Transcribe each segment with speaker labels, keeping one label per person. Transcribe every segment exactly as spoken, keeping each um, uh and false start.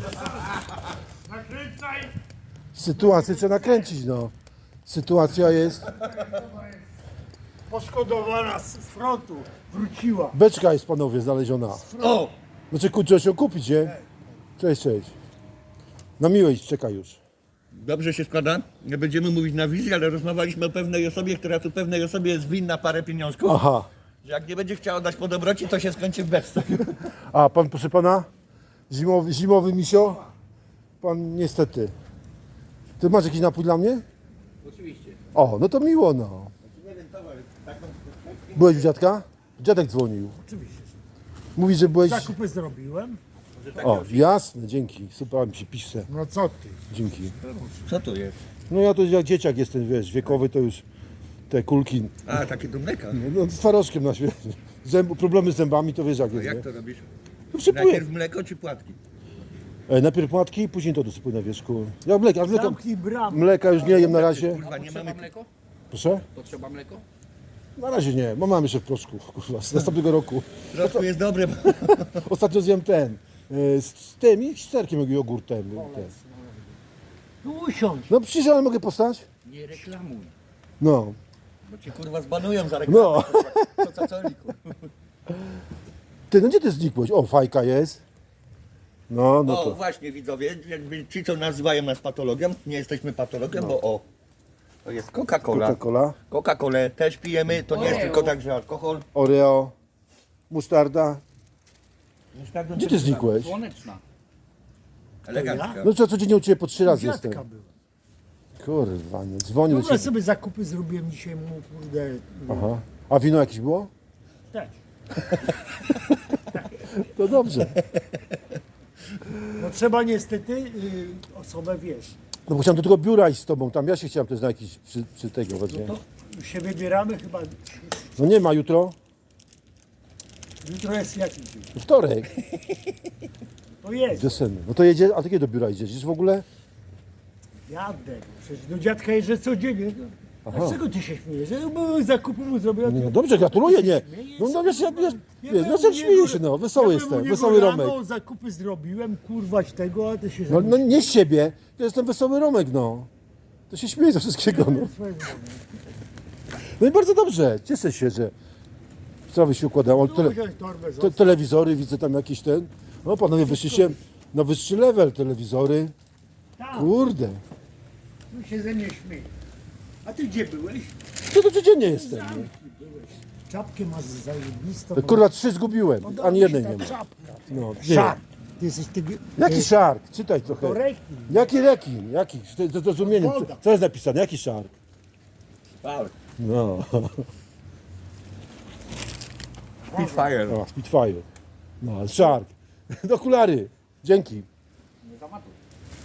Speaker 1: Nakręcaj!
Speaker 2: Sytuację trzeba nakręcić, no. Sytuacja jest...
Speaker 1: Poszkodowana z z frontu. Wróciła.
Speaker 2: Beczka jest, panowie, znaleziona.
Speaker 3: O!
Speaker 2: Znaczy, kurczę, się kupić, nie? Cześć, cześć. Na miłość czeka już.
Speaker 3: Dobrze się składa. Nie będziemy mówić na wizji, ale rozmawialiśmy o pewnej osobie, która tu pewnej osobie jest winna parę pieniążków.
Speaker 2: Aha.
Speaker 3: Że jak nie będzie chciała dać po dobroci, to się skończy w beczce.
Speaker 2: A pan, proszę pana? Zimowy, zimowy misio? Pan niestety. Ty masz jakiś napój dla mnie?
Speaker 3: Oczywiście.
Speaker 2: O, no to miło, no.
Speaker 3: Nie wiem, towar, taką...
Speaker 2: Byłeś u dziadka? Dziadek dzwonił.
Speaker 1: Oczywiście.
Speaker 2: Mówi, że byłeś...
Speaker 1: Zakupy zrobiłem.
Speaker 2: O, jasne, dzięki. Super mi się pisze.
Speaker 1: No co ty?
Speaker 2: Dzięki.
Speaker 3: Co to jest?
Speaker 2: No ja to jak dzieciak jestem, wiesz, wiekowy to już te kulki,
Speaker 3: A, takie do mleka.
Speaker 2: no z twarożkiem na świecie. Zęb, problemy z zębami to wiesz jak
Speaker 3: A
Speaker 2: jest,
Speaker 3: jak
Speaker 2: nie?
Speaker 3: to robisz?
Speaker 2: No przypływ.
Speaker 3: Najpierw mleko czy płatki?
Speaker 2: E, najpierw płatki, później to dosypuję na wierzchu. Ja mleka, mleka,
Speaker 1: Zamknij bramę.
Speaker 2: mleka już nie jem na razie.
Speaker 3: Kurwa, nie mamy...
Speaker 4: mleko?
Speaker 2: Proszę?
Speaker 4: Potrzeba mleko?
Speaker 2: Na razie nie, bo mam jeszcze w proszku, kurwa, z następnego roku.
Speaker 3: Troszkę jest dobre, bo...
Speaker 2: Ostatnio zjem ten, e, z, z tym i z serkiem, jak jogurtem. Ten.
Speaker 1: No usiądź.
Speaker 2: No przecież ale mogę postać?
Speaker 4: Nie reklamuj.
Speaker 2: No,
Speaker 3: Bo cię kurwa zbanują za reklamę.
Speaker 2: no.
Speaker 3: Co co coliku.
Speaker 2: Ty, no gdzie ty znikłeś? O, fajka jest. No, no
Speaker 3: O,
Speaker 2: to.
Speaker 3: właśnie widzowie, jakby ci co nazywają nas patologiem, nie jesteśmy patologiem, bo o, to jest Coca-Cola.
Speaker 2: Coca-Cola,
Speaker 3: Coca-Colę też pijemy, to nie jest
Speaker 4: Oreo.
Speaker 3: tylko tak, że alkohol.
Speaker 2: Oreo, musztarda. Gdzie ty znikłeś?
Speaker 4: Słoneczna.
Speaker 3: Elegancka.
Speaker 2: No co, codziennie u Ciebie po trzy razy
Speaker 1: Dziadka
Speaker 2: jestem.
Speaker 1: byłem.
Speaker 2: Kurwa, nie, dzwonię do
Speaker 1: Dobra,
Speaker 2: Ciebie.
Speaker 1: sobie zakupy zrobiłem dzisiaj mu, kurde.
Speaker 2: Aha. A wino jakieś było?
Speaker 1: Też.
Speaker 2: To dobrze.
Speaker 1: No trzeba niestety y, osobę, wiesz,
Speaker 2: No bo chciałem do tego biura iść z Tobą, tam ja się chciałem też na jakiś przy, przy tego wezmę.
Speaker 1: to się wybieramy chyba.
Speaker 2: No nie ma jutro?
Speaker 1: Jutro jest jaki dzień?
Speaker 2: Wtorek,
Speaker 1: To jest.
Speaker 2: wiosenny. No to jedzie, a ty kiedy do biura idziesz? Idziesz w ogóle?
Speaker 1: Jadę. Przecież do dziadka jeżdżę codziennie.
Speaker 2: Aha.
Speaker 1: A z czego ty się śmiejesz? Że bo zakupy mu zrobiłem.
Speaker 2: Nie, no dobrze, gratuluję, nie. No, no wiesz, ja, wiesz, wiesz, no co śmieję się, no, wesoły jestem, wesoły Romek.
Speaker 1: No zakupy zrobiłem, kurwać tego, a ty się
Speaker 2: No, no nie z siebie, to jestem wesoły Romek, no. To się śmieję ze wszystkiego, no. No i bardzo dobrze, cieszę się, że sprawy się układają. Ale Tele, te, telewizory, widzę tam jakiś ten. No panowie, wyszliście na wyższy level, telewizory.
Speaker 1: Tak,
Speaker 2: Kurde,
Speaker 1: no się ze mnie śmieje. A ty gdzie byłeś?
Speaker 2: to to codziennie jestem. Nie?
Speaker 1: Byłeś. Czapkę masz zajebistą.
Speaker 2: Kurwa, trzy zgubiłem,
Speaker 1: Podoba
Speaker 2: ani
Speaker 1: mi się
Speaker 2: jednej
Speaker 1: ta
Speaker 2: nie ma.
Speaker 1: czapka.
Speaker 2: No, nie.
Speaker 1: Szark. Ty jesteś tego...
Speaker 2: Jaki szark? Czytaj
Speaker 1: To
Speaker 2: trochę.
Speaker 1: rekin.
Speaker 2: Jaki rekin? Jaki? To jest zrozumienie. Co,
Speaker 1: Woda.
Speaker 2: co jest napisane? Jaki szark?
Speaker 3: Wow.
Speaker 2: No.
Speaker 3: Spitfire.
Speaker 2: O, Spitfire. No, ale szark. Do okulary. Dzięki.
Speaker 4: Nie zamatuj.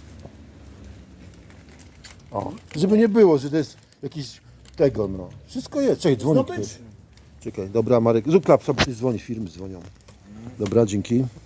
Speaker 2: O, żeby nie było, że to jest jakiś tego, no. Wszystko jest. Czekaj, dzwoni ktoś.
Speaker 1: Zdobycz.
Speaker 2: Czekaj, dobra Marek. Zrób klap, sobie ktoś dzwoni, firmy dzwonią. Dobra, dzięki.